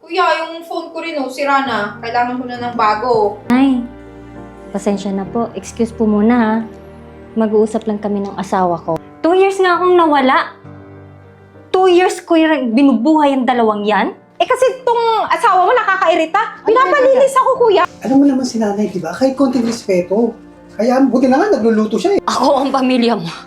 Kuya, yung phone ko rin sira na. Kailangan ko na ng bago. Ay, pasensya na po. Excuse po muna ha. Mag-uusap lang kami ng asawa ko. 2 years nga akong nawala. 2 years ko yung binubuhay ang dalawang yan. Eh kasi itong asawa mo nakakairita. Pinapalinis ako, kuya. Alam mo naman si nanay, di ba? Kahit konting respeto. Kaya buti na nga, nagluluto siya eh. Ako ang pamilya mo.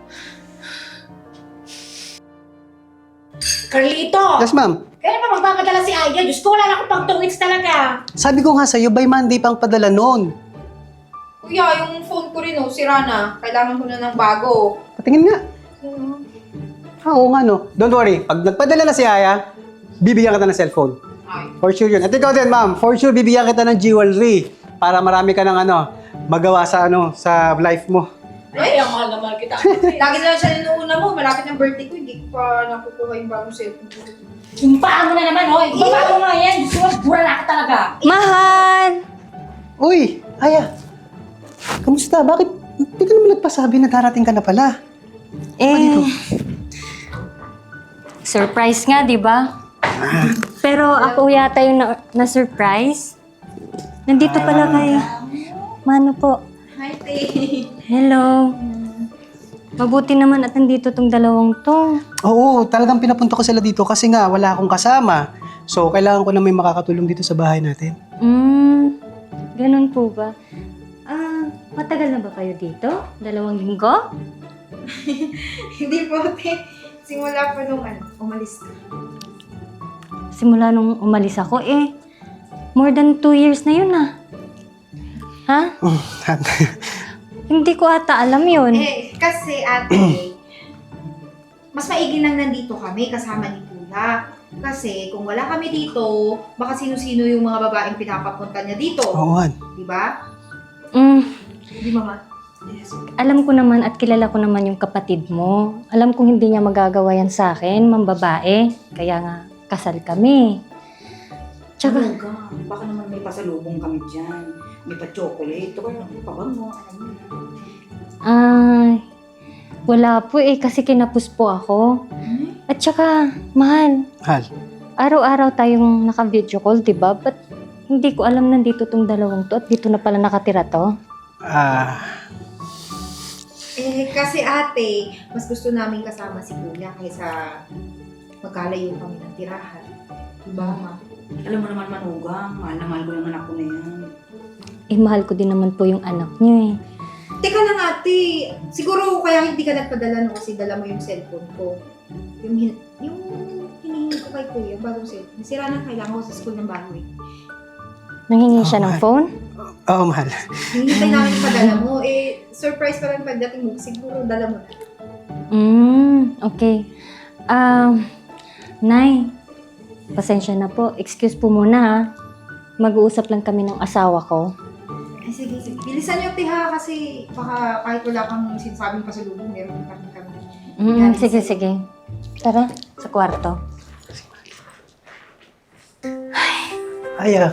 Carlito! Yes, ma'am. Kailan pa magpapadala si Aya? Diyos ko, wala na akong pang 2 weeks talaga. Sabi ko nga sa'yo, by Monday pang padala noon. Kuya, yung phone ko rin sira na. Kailangan ko na ng bago. Patingin nga. Oo nga no. Don't worry, pag nagpadala na si Aya, bibigyan kita ng cellphone. Ay. For sure yun. At ikaw din, ma'am. For sure, bibigyan kita ng jewelry. Para marami ka ng magawa sa sa life mo. Ay, ang mahal na mahal kita. Lagi na lang siya ninuuna mo. Malapit ng birthday ko. Hindi ko pa nakukuha yung bagong cellphone ko. Impaan mo na naman, oh. Ibaba mo nga yan. Diyos ko, bura na ka talaga. Mahal! Uy, Aya. Kamusta? Bakit? Hindi ka naman nagpasabi na darating ka na pala. Surprise nga, di ba? Pero ako yata yung na-surprise. Nandito pala kayo. Mano po. Hi, Tay. Hello. Mabuti naman at nandito tong dalawang to. Oo, talagang pinapunta ko sila dito kasi nga wala akong kasama. So, kailangan ko na may makakatulong dito sa bahay natin. Ganun po ba? Matagal na ba kayo dito? 2 linggo? Hindi po, Tay. Simula pa nung umalis ka. Simula nung umalis ako more than 2 years na yun Ha? Hindi ko ata alam yun. Kasi ate, mas maigi nang nandito kami kasama ni Kuya. Kasi kung wala kami dito, baka sino-sino yung mga babaeng pinapapunta niya dito. Oo, Han. Di ba? Di mama? Yes. Alam ko naman at kilala ko naman yung kapatid mo. Alam kong hindi niya magagawa yan sa akin, mambabae. Kaya nga, kasal kami. Tsaka, Ano ka? Baka naman may pasalubong kami dyan. May pa-chocolate. Ito kaya pabango. Alam mo na. wala po kasi kinapos po ako. At tsaka, mahal, Hal. araw-araw tayong naka-video call, di ba? Ba't hindi ko alam nandito tong dalawang to at dito na pala nakatira to? Kasi ate, mas gusto namin kasama si Kuya kaysa magkalayo kami ng tirahan. Di ba, ma? Alam mo naman, Manugang. Mahal na mahal ko yung anak ko na yan. Mahal ko din naman po yung anak niyo Teka lang ate, siguro kaya hindi ka nagpadala no kasi dala mo yung cellphone ko. Yung hinihingi ko kay Kuya, bagong cellphone. Sira na, kailangan ko sa school ng bago Nanghingi siya ng mahal. phone? Oo, mahal. Hinihintay namin yung padala mo. Surprise pa lang pagdating mo. Siguro dala mo. Okay. Nay, pasensya na po. Excuse po muna ha. Mag-uusap lang kami ng asawa ko. Ay, sige. Bilisan niyo, Tiha, kasi baka kahit wala kang sinasabing pasalubong, meron pa rin kami. Sige. Tara, sa kwarto. Aya.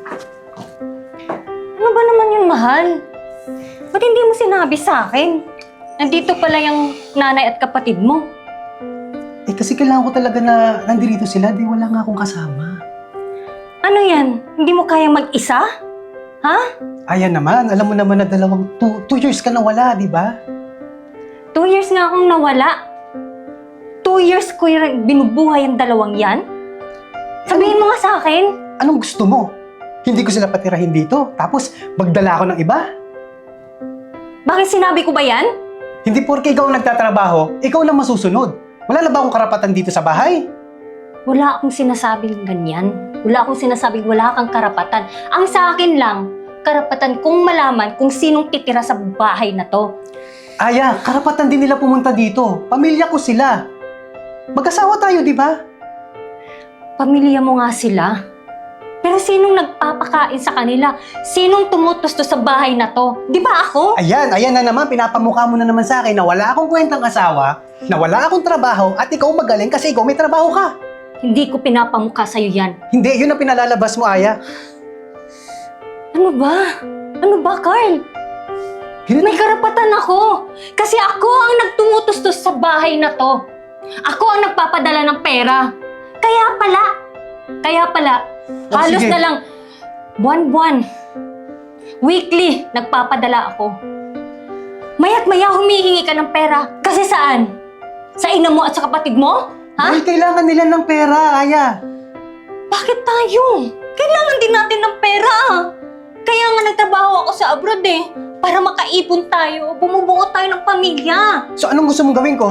Ano ba naman yun, mahal? Ba't hindi mo sinabi sa akin? Nandito pala yung nanay at kapatid mo. Kasi kailangan ko talaga na nandito sila. Di wala nga akong kasama. Ano yan? Hindi mo kaya mag-isa? Ha? Aya naman. Alam mo naman na 2 years ka na wala, di ba? 2 years nga akong nawala. 2 years ko yung binubuhay ang dalawang yan? Sabihin mo nga sa akin. Anong gusto mo? Hindi ko sila patirahin dito. Tapos, magdala ako ng iba? Bakit sinabi ko ba yan? Hindi porke ikaw ang nagtatrabaho, ikaw lang masusunod. Wala na ba akong karapatan dito sa bahay? Wala akong sinasabing ganyan. Wala akong sinasabing wala kang karapatan. Ang sa akin lang, karapatan kong malaman kung sinong titira sa bahay na to. Aya, karapatan din nila pumunta dito. Pamilya ko sila. Mag-asawa tayo, di ba? Pamilya mo nga sila. Pero sinong nagpapakain sa kanila? Sinong tumutustos sa bahay na to? Di ba ako? Ayan na naman, pinapamukha mo na naman sa akin na wala akong kwentang asawa, na wala akong trabaho, at ikaw magaling kasi ikaw may trabaho ka. Hindi ko pinapamukha sa'yo yan. Hindi, yun ang pinalalabas mo, Aya. Ano ba? Ano ba, Carl? May karapatan ako. Kasi ako ang nagtumutustos sa bahay na to. Ako ang nagpapadala ng pera. Kaya pala, Kaya pala, Oh, halos sige. na lang buwan-buwan, weekly, nagpapadala ako. Maya't maya humihingi ka ng pera. Kasi saan? Sa ina mo at sa kapatid mo? Ha? Dahil kailangan nila ng pera, Aya. Bakit tayo? Kailangan din natin ng pera. Kaya nga nagtrabaho ako sa abroad eh. Para makaipon tayo, bumubuo tayo ng pamilya. So anong gusto mong gawin ko?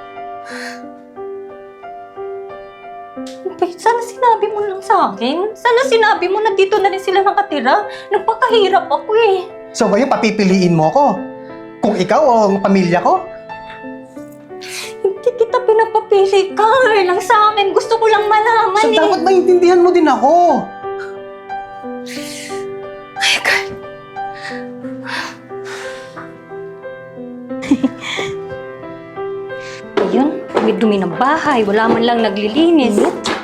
Sana sinabi mo lang sa akin. Sana sinabi mo na dito na rin sila nakatira. Nagpakahirap ako eh. So ngayon papipiliin mo ko? Kung ikaw o ang pamilya ko? Hindi kita pinapapili. Kaya lang sa akin. Gusto ko lang malaman So eh. dapat maintindihan mo din ako. Ay, God. Ayun, dumi-dumi ng bahay. Wala man lang naglilinis.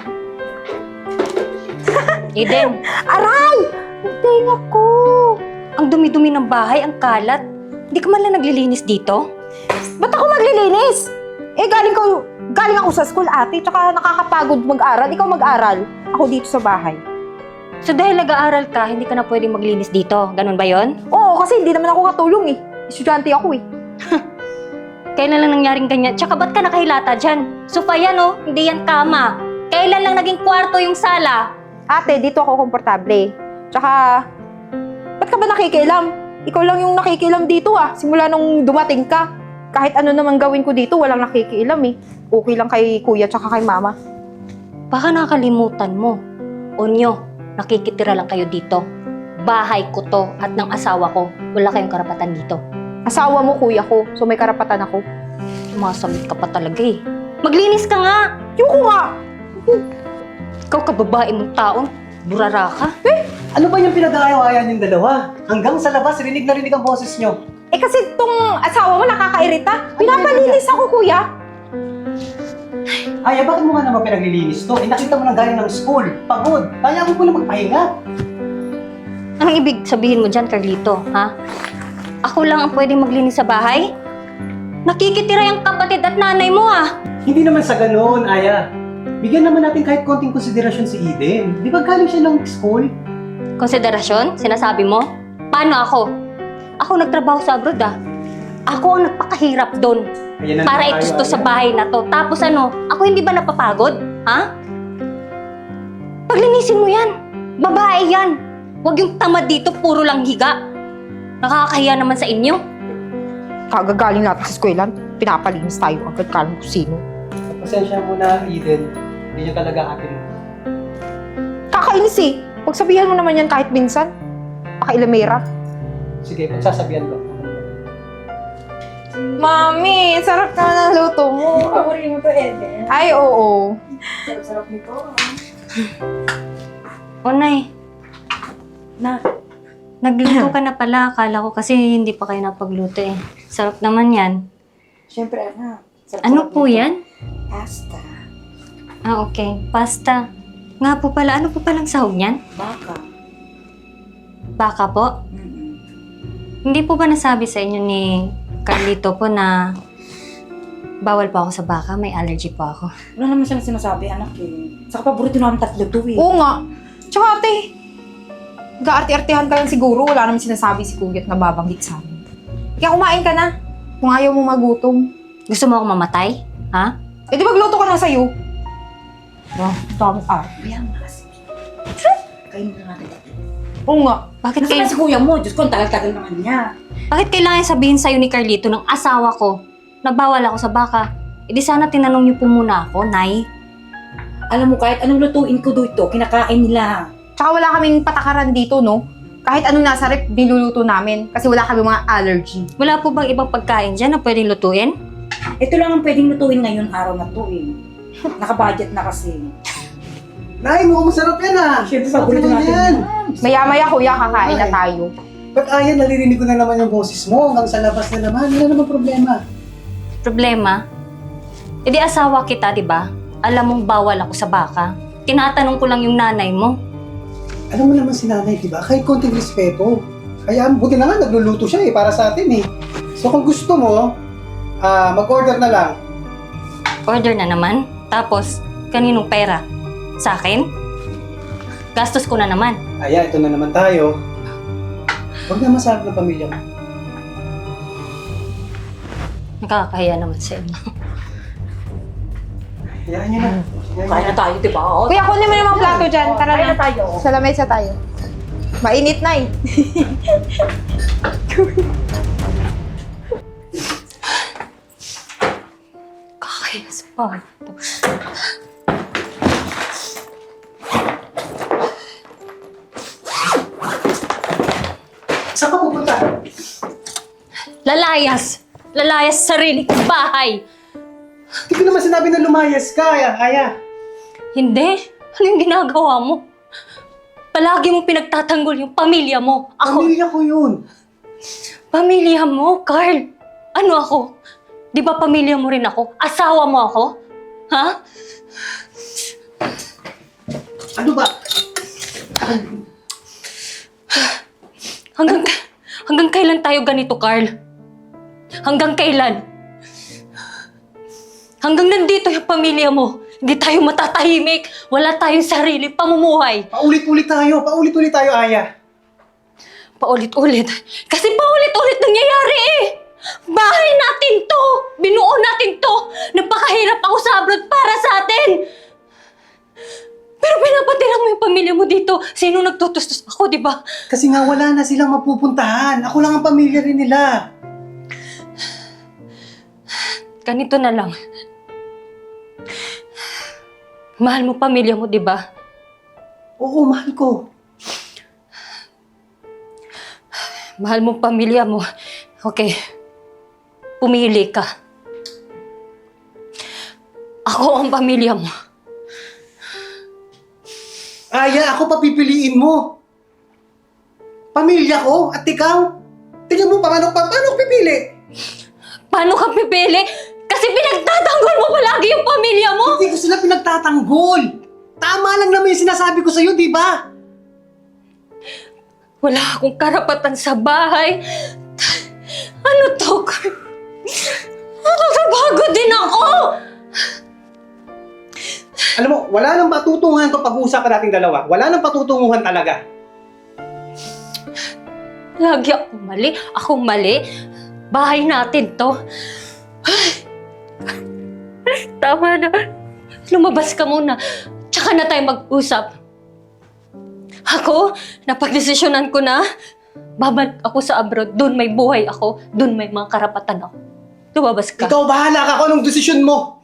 Eden. Aray! Ang tenga ko! Ang dumi-dumi ng bahay, ang kalat. Hindi ka man lang naglilinis dito? Ba't ako maglilinis? Eh, galing ako sa school, ate. Tsaka nakakapagod mag-aral. Ikaw mag-aral. Ako dito sa bahay. So dahil nag-aaral ka, hindi ka na pwedeng maglinis dito. Ganun ba yon? Oo, kasi hindi naman ako katulong eh. Estudyante ako eh. Kailan lang nangyaring ganyan? Tsaka ba't ka nakahilata dyan? Sofa yan oh, hindi yan kama. Kailan lang naging kwarto yung sala? Ate, dito ako komportable. Tsaka, ba't ka ba nakikialam? Ikaw lang yung nakikialam dito ah. Simula nung dumating ka. Kahit ano naman gawin ko dito, walang nakikialam eh. Okay lang kay kuya tsaka kay mama. Baka nakalimutan mo. Onyo, nakikitira lang kayo dito. Bahay ko to at ng asawa ko. Wala kayong karapatan dito. Asawa mo kuya ko, so may karapatan ako. Sumasamit ka pa talaga eh. Maglinis ka nga! Yung ko nga! Ikaw kababae mong taon. Burara ka. Ano ba yung pinag-aayawayan yung dalawa? Hanggang sa labas, rinig na rinig ang boses nyo. Eh kasi tong asawa mo nakakairita. Pinapalinis ako kuya. Aya, bakit mo nga naman pinaglilinis to? Eh, nakita mo nang galing ng school. Pagod. Kaya mo na magpahinga. Anong ibig sabihin mo dyan, Carlito? Ha? Ako lang ang pwedeng maglinis sa bahay? Nakikitira yung kapatid at nanay mo ah! Hindi naman sa ganoon, Aya. Bigyan naman natin kahit konting konsiderasyon si Eden. Di ba galing siya ng school? Konsiderasyon? Sinasabi mo? Paano ako? Ako nagtrabaho sa abroad ah. Ako ang nagpakahirap doon. Ayan na Para tayo, itusto sa Aya. bahay na to. Tapos ano, ako hindi ba napapagod? Ha? Paglinisin mo yan. Babae yan. Huwag yung tamad dito, puro lang higa. Nakakahiya naman sa inyo. Kagagaling natin sa eskwela, pinapalinis tayo agad kalang kung sino. Pasensya mo na, Eden. Hindi niya talaga atin. Kakainis eh. Pagsabihan mo naman yan kahit minsan. Pakailamera. Sige, pagsasabihan ko. Mami, sarap naman ang luto mo. Paborito mo to, Eden. Ay, oo. Sarap nito. Onay. Nagluto ka na pala. Akala ko kasi hindi pa kayo napagluto eh. Sarap naman yan. Siyempre, anak. Ano po yan? Pasta. Ah, okay. Pasta. Nga po pala, ano po palang sahog niyan? Baka. Baka po? Hindi po ba nasabi sa inyo ni Carlito po na bawal pa ako sa baka? May allergy po ako. Wala naman siyang sinasabi, anak eh. Saka paborito namin tatlo to eh. Oo nga. Tsaka ate, gaarte-artehan ka lang siguro. Wala naman sinasabi si kuya at nababanggit sa amin. Kaya kumain ka na. Kung ayaw mo magutom. Gusto mo ako mamatay? Ha? Eh di magluto ka na sa'yo. Wow, tamang arte. Kaya nga kasi. Kainin na natin. Oo nga. Bakit, Nasaan si kuya mo? Diyos ko, ang tagal-tagal naman niya. bakit kailangan sabihin sa'yo ni Carlito ng asawa ko na bawal ako sa baka? E di sana tinanong niyo po muna ako, Nay. Alam mo, kahit anong lutuin ko dito, kinakain nila. Tsaka wala kaming patakaran dito, no? Kahit anong nasa rep, niluluto namin. Kasi wala kami mga allergy. Wala po bang ibang pagkain dyan na pwedeng lutuin? Ito lang ang pwedeng lutuin ngayon araw na to eh. Nakabudget na kasi. Nay, mukhang masarap yan ah. Siyempre, Sarap paborito naman natin yan. yan. Maya-maya, kuya, kakain na tayo. Ba't Aya, naririnig ko na naman yung boses mo hanggang sa labas na naman. Wala naman problema. Problema? E di asawa kita, di ba? Alam mong bawal ako sa baka. Tinatanong ko lang yung nanay mo. Alam mo naman si nanay, di ba? Kahit konting respeto. Kaya buti na nga, nagluluto siya eh, para sa atin eh. So kung gusto mo, mag-order na lang. Order na naman. Tapos, kaninong pera? Sa akin? Gastos ko na naman. Aya, ito na naman tayo. Huwag na masarap ng pamilya mo. Nakakahiya naman sa inyo. Hayaan niyo na. Kaya na tayo, di ba? Oh, Kuya, kunin mo naman plato dyan. Tara kaya na. na tayo. Sa lamesa tayo. Mainit na eh. Kakahiya sa bahay to. Saan ka pupunta? Lalayas! Lalayas sa sarili kong bahay! Hindi ko naman sinabi na lumayas ka, Aya. Hindi? Ano yung ginagawa mo? Palagi mo pinagtatanggol yung pamilya mo. Ako, Pamilya ko yun. pamilya mo, Carl. Ano ako? Di ba pamilya mo rin ako? Asawa mo ako? Ha? Ano ba? Hanggang kailan tayo ganito, Carl? Hanggang kailan? Hanggang nandito yung pamilya mo. Hindi tayo matatahimik. Wala tayong sarili pamumuhay. Paulit-ulit tayo, Aya. Paulit-ulit. Kasi paulit-ulit nangyayari eh. Bahay natin to. Binuo natin to. Napakahirap ako sa abroad para sa atin. Pero pinapatira mo yung pamilya mo dito. Sino nagtutustos? Ako, di ba? Kasi nga wala na silang mapupuntahan. Ako lang ang pamilya rin nila. Ganito na lang. Mahal mo pamilya mo, di ba? Oo, mahal ko. Mahal mo pamilya mo. Okay. Pumili ka. Ako ang pamilya mo. Aya, ako papipiliin mo. Pamilya ko at ikaw. Tingnan mo, paano ko pipili? Paano ka pipili? Kasi pinagtatanggol mo palagi yung pamilya mo! Hindi ko sila pinagtatanggol. Tama lang naman yung sinasabi ko sa'yo, di ba? Wala akong karapatan sa bahay. Ano to? Bago din ako! Alam mo, wala nang patutunguhan to pag-uusapan nating dalawa. Wala nang patutunguhan talaga. Lagi akong mali. Akong mali. Bahay natin to. Tama na. Lumabas ka muna. Tsaka na tayo mag-usap. Ako, napagdesisyonan ko na. Babalik ako sa abroad. Doon may buhay ako. Doon may mga karapatan ako. Lumabas ka. Ikaw, bahala ka kung anong desisyon mo.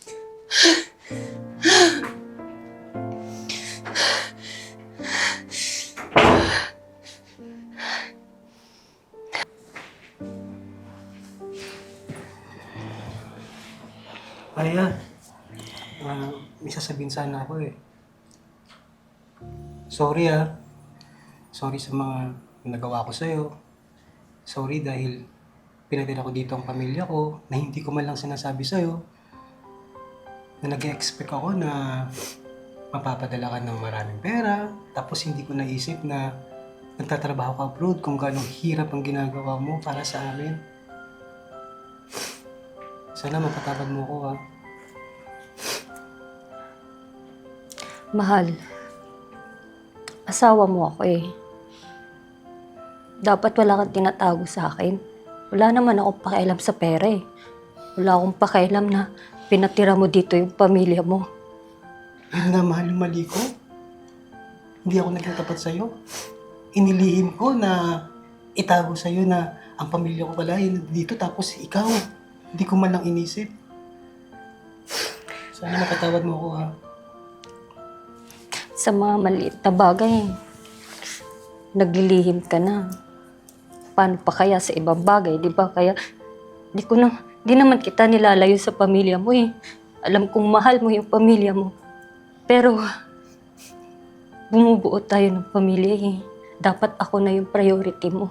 Aya, may sasabihin sana ako eh. Sorry Sorry sa mga nagawa ko sa'yo. Sorry dahil pinatira ko dito ang pamilya ko na hindi ko man lang sinasabi sa'yo. Na nag-expect ako na mapapadala ka ng maraming pera. Tapos hindi ko naisip na nagtatrabaho ka abroad kung gano'ng hirap ang ginagawa mo para sa amin. Sana mapatawad mo ko Mahal, asawa mo ako eh. Dapat wala kang tinatago sa akin. Wala naman akong pakialam sa pera eh. Wala akong pakialam na pinatira mo dito yung pamilya mo. Yun nga, mahal, yung mali ko. Hindi ako naging tapat sa'yo. Inilihim ko na itago sa'yo na ang pamilya ko pala ay dito tapos ikaw. Hindi ko man lang inisip. Sana makatawad mo ako Sa mga maliit na bagay, naglilihim ka na. Paano pa kaya sa ibang bagay, di ba? Kaya, di naman kita nilalayo sa pamilya mo eh. Alam kong mahal mo yung pamilya mo. Pero, bumubuo tayo ng pamilya eh. Dapat ako na yung priority mo.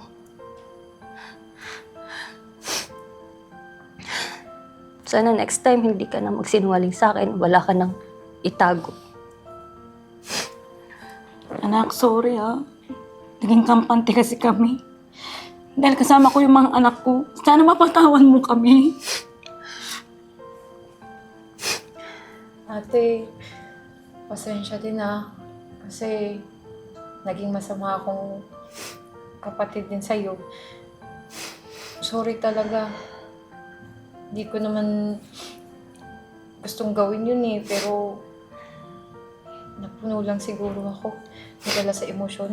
Sana next time hindi ka na magsinungaling sa akin. Wala ka nang itago. Anak, sorry Naging kampante kasi kami. Dahil kasama ko yung mga anak ko. Sana mapatawan mo kami. Ate, pasensya din Kasi naging masama akong kapatid din sa'yo. Sorry talaga. Hindi ko naman gustong gawin yun eh, pero napuno lang siguro ako. Nadala sa emosyon.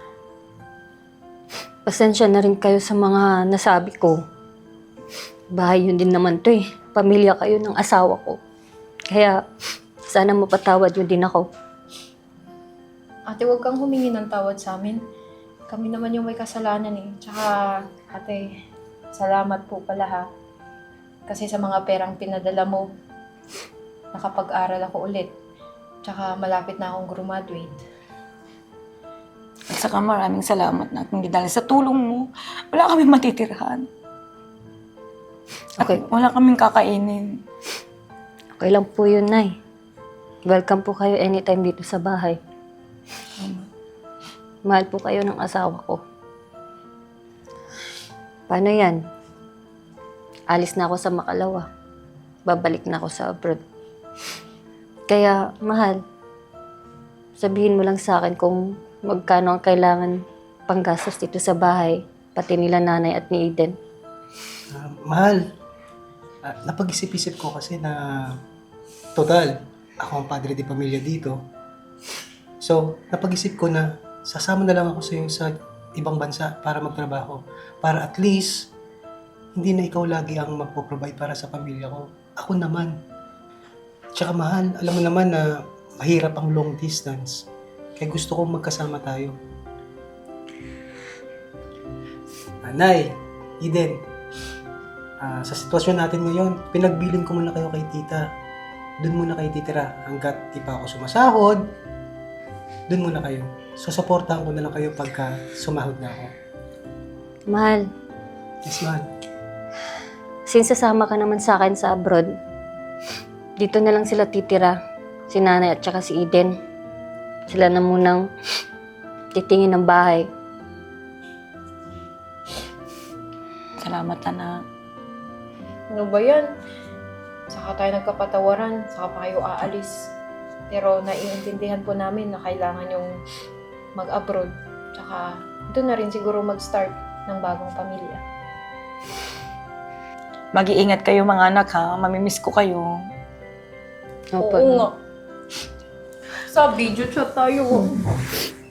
Pasensya na rin kayo sa mga nasabi ko. Bahay yun din naman to eh. Pamilya kayo ng asawa ko. Kaya, sana mapatawad yun din ako. Ate, huwag kang humingi ng tawad sa amin. Kami naman yung may kasalanan eh. Tsaka, ate, salamat po pala ha. Kasi sa mga perang pinadala mo, nakapag-aral ako ulit. Tsaka malapit na akong graduate. At saka maraming salamat na hindi dahil sa tulong mo, wala kaming matitirahan. Okay. Wala kaming kakainin. Okay lang po yun, Nay. Welcome po kayo anytime dito sa bahay. Mahal po kayo ng asawa ko. Paano yan? Alis na ako sa Makalawa. Babalik na ako sa abroad. Kaya, mahal, sabihin mo lang sa akin kung magkano ang kailangan panggastos dito sa bahay, pati nila nanay at ni Eden. Mahal, napag-isip-isip ko kasi na total, ako ang padre de pamilya dito. So, napag-isip ko na sasama na lang ako sa iyo sa ibang bansa para magtrabaho. Para at least, hindi na ikaw lagi ang magpo-provide para sa pamilya ko. Ako naman. Tsaka mahal, alam mo naman na mahirap ang long distance. Kaya gusto kong magkasama tayo. Nay, Eden, sa sitwasyon natin ngayon, pinagbilin ko muna kayo kay tita. Doon muna kayo titira. Hanggat di pa ako sumasahod, doon muna kayo. Susuportahan ko na lang kayo pagka sumahod na ako. Mahal, Yes, mahal. since sasama ka naman sa akin sa abroad, dito na lang sila titira. Si nanay at saka si Eden. Sila na munang titingin ng bahay. Salamat, anak. Ano ba yan? Saka tayo nagkapatawaran, saka pa kayo aalis. Pero naiintindihan po namin na kailangan yung mag-abroad. Tsaka doon na rin siguro mag-start ng bagong pamilya. Mag-iingat kayo mga anak ha. Mamimiss ko kayo. Opo. Oo nga. Sa video chat tayo.